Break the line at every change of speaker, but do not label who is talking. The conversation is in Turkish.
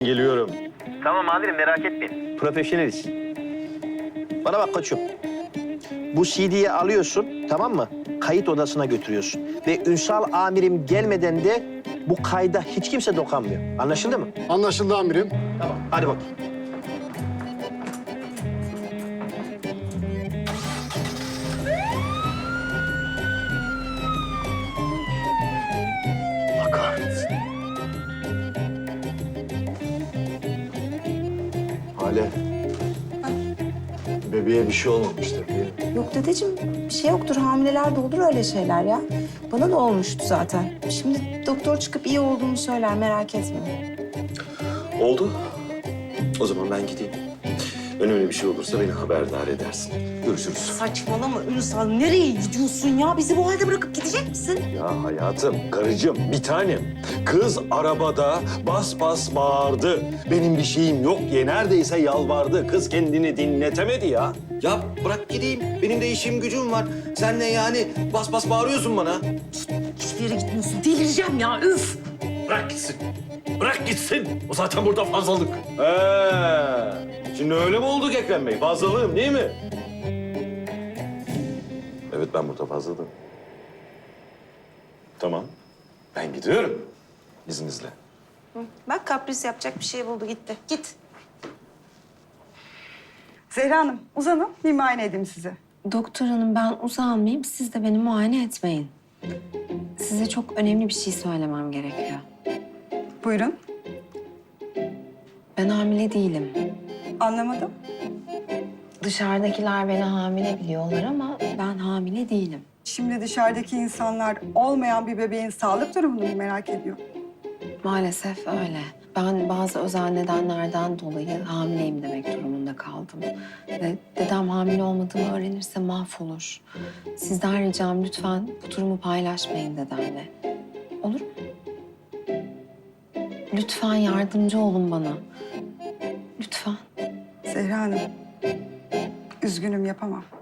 Geliyorum.
Tamam amirim merak etmeyin.
Profesyoneliz. Bana bak koçum. Bu CD'yi alıyorsun, tamam mı? Kayıt odasına götürüyorsun. Ve Ünsal amirim gelmeden de bu kayda hiç kimse dokunmuyor. Anlaşıldı mı?
Anlaşıldı amirim.
Tamam. Hadi bak.
Allah kahretsin. Hale. Bebeğe bir şey olmamıştır diye.
Yok dedeciğim, bir şey yoktur. Hamilelerde olur öyle şeyler ya. Bana da olmuştu zaten. Şimdi doktor çıkıp iyi olduğumu söyler, merak etme.
Oldu. O zaman ben gideyim. Önemli bir şey olursa beni haberdar edersin. Görüşürüz.
Saçmalama Ünsal, nereye gidiyorsun ya? Bizi bu halde bırakıp gidecek misin?
Ya hayatım, karıcığım, bir tanem. Kız arabada bas bas bağırdı. Benim bir şeyim yok diye neredeyse yalvardı. Kız kendini dinletemedi ya. Ya bırak gideyim. Benim de işim gücüm var. Sen ne yani bas bas bağırıyorsun bana?
Hiçbir yere gitmiyorsun. Delireceğim ya, üf!
Bırak gitsin. Bırak gitsin. O zaten burada fazlalık. Şimdi öyle mi olduk Ekrem Bey? Fazlalığım değil mi? Evet, ben burada fazladım. Tamam. Ben gidiyorum. İzninizle.
Bak kapris yapacak bir şey buldu, gitti. Git.
Zehra Hanım, uzanın. Bir muayene edeyim sizi.
Doktor hanım ben uzanmayayım, siz de beni muayene etmeyin. Size çok önemli bir şey söylemem gerekiyor.
Buyurun.
Ben hamile değilim.
Anlamadım.
Dışarıdakiler beni hamile biliyorlar ama ben hamile değilim.
Şimdi dışarıdaki insanlar olmayan bir bebeğin sağlık durumunu mu merak ediyor?
Maalesef öyle. Ben bazı özel nedenlerden dolayı hamileyim demek durumunda kaldım. Ve dedem hamile olmadığımı öğrenirse mahvolur. Sizden ricam lütfen bu durumu paylaşmayın dedemle. Olur mu? Lütfen yardımcı olun bana. Lütfen.
Zehra Hanım, üzgünüm yapamam.